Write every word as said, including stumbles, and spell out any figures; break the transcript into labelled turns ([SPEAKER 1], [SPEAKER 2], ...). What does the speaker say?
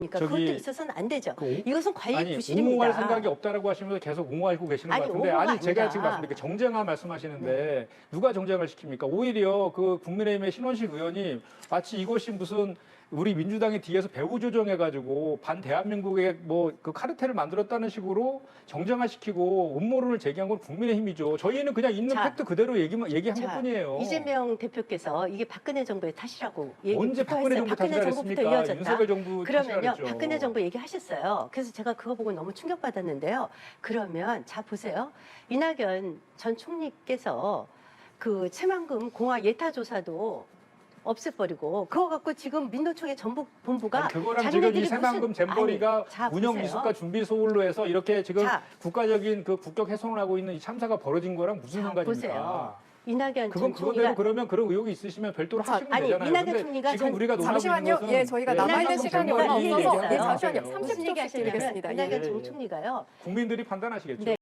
[SPEAKER 1] 그러니까
[SPEAKER 2] 저기
[SPEAKER 1] 그것도 있어서는 안 되죠.
[SPEAKER 2] 그 오-
[SPEAKER 1] 이것은 관리
[SPEAKER 2] 아니
[SPEAKER 1] 부실입니다.
[SPEAKER 2] 옹호할 생각이 없다라고 하시면서 계속 옹호하고 계시는
[SPEAKER 1] 아니,
[SPEAKER 2] 것 같은데
[SPEAKER 1] 옹호가
[SPEAKER 2] 아니 제가
[SPEAKER 1] 아니라.
[SPEAKER 2] 지금 말씀드린 게 정쟁화 말씀하시는데
[SPEAKER 1] 네.
[SPEAKER 2] 누가 정쟁을 시킵니까? 오히려 그 국민의힘의 신원식 의원이 마치 이것이 무슨 우리 민주당이 뒤에서 배후 조정해가지고 반 대한민국의 뭐 그 카르텔을 만들었다는 식으로 정쟁화시키고 음모론을 제기한 건 국민의힘이죠. 저희는 그냥 있는
[SPEAKER 1] 자,
[SPEAKER 2] 팩트 그대로 얘기 얘기한
[SPEAKER 1] 자,
[SPEAKER 2] 것뿐이에요.
[SPEAKER 1] 이재명 대표께서 이게 박근혜 정부의 탓이라고 얘기
[SPEAKER 2] 언제 박근혜 정부
[SPEAKER 1] 박근혜
[SPEAKER 2] 탓이라
[SPEAKER 1] 정부부터
[SPEAKER 2] 그랬습니까?
[SPEAKER 1] 이어졌다.
[SPEAKER 2] 윤석열 정부 탓이라
[SPEAKER 1] 그러면요,
[SPEAKER 2] 그랬죠.
[SPEAKER 1] 박근혜 정부 얘기하셨어요. 그래서 제가 그거 보고 너무 충격받았는데요. 그러면 자 보세요, 이낙연 전 총리께서 그 새만금 공화 예타 조사도 없애버리고 그거 갖고 지금 민노총의 전북 본부가
[SPEAKER 2] 아니, 그거랑 지금 이
[SPEAKER 1] 자기네들이
[SPEAKER 2] 새만금
[SPEAKER 1] 무슨-
[SPEAKER 2] 잼버리가
[SPEAKER 1] 아니, 자,
[SPEAKER 2] 운영
[SPEAKER 1] 보세요.
[SPEAKER 2] 미숙과 준비 소홀로 해서 이렇게 지금
[SPEAKER 1] 자.
[SPEAKER 2] 국가적인 그 국격 훼손을 하고 있는 이 참사가 벌어진 거랑 무슨
[SPEAKER 1] 자,
[SPEAKER 2] 상관입니까?
[SPEAKER 1] 보세요. 이낙연
[SPEAKER 2] 그건
[SPEAKER 1] 전
[SPEAKER 2] 그거대로
[SPEAKER 1] 총리가
[SPEAKER 2] 그러면 그런 의혹이 있으시면 별도로
[SPEAKER 3] 자,
[SPEAKER 2] 하시면
[SPEAKER 1] 아니,
[SPEAKER 2] 되잖아요.
[SPEAKER 1] 이낙연
[SPEAKER 2] 근데
[SPEAKER 1] 총리가
[SPEAKER 2] 지금
[SPEAKER 1] 전-
[SPEAKER 2] 우리가 논하고 있는
[SPEAKER 3] 잠시만요.
[SPEAKER 2] 것은
[SPEAKER 3] 예, 저희가 남아있는
[SPEAKER 1] 이낙연
[SPEAKER 3] 시간이
[SPEAKER 1] 총리가
[SPEAKER 3] 얼마
[SPEAKER 1] 이
[SPEAKER 3] 없어서
[SPEAKER 1] 얘기했어요.
[SPEAKER 3] 예, 잠시만요.
[SPEAKER 1] 무슨
[SPEAKER 3] 삼십 초씩
[SPEAKER 1] 얘기 하시냐면
[SPEAKER 3] 드리겠습니다. 예.
[SPEAKER 1] 이낙연
[SPEAKER 2] 예,
[SPEAKER 1] 전
[SPEAKER 2] 예.
[SPEAKER 1] 총리가요.
[SPEAKER 2] 국민들이 판단하시겠죠.
[SPEAKER 1] 네.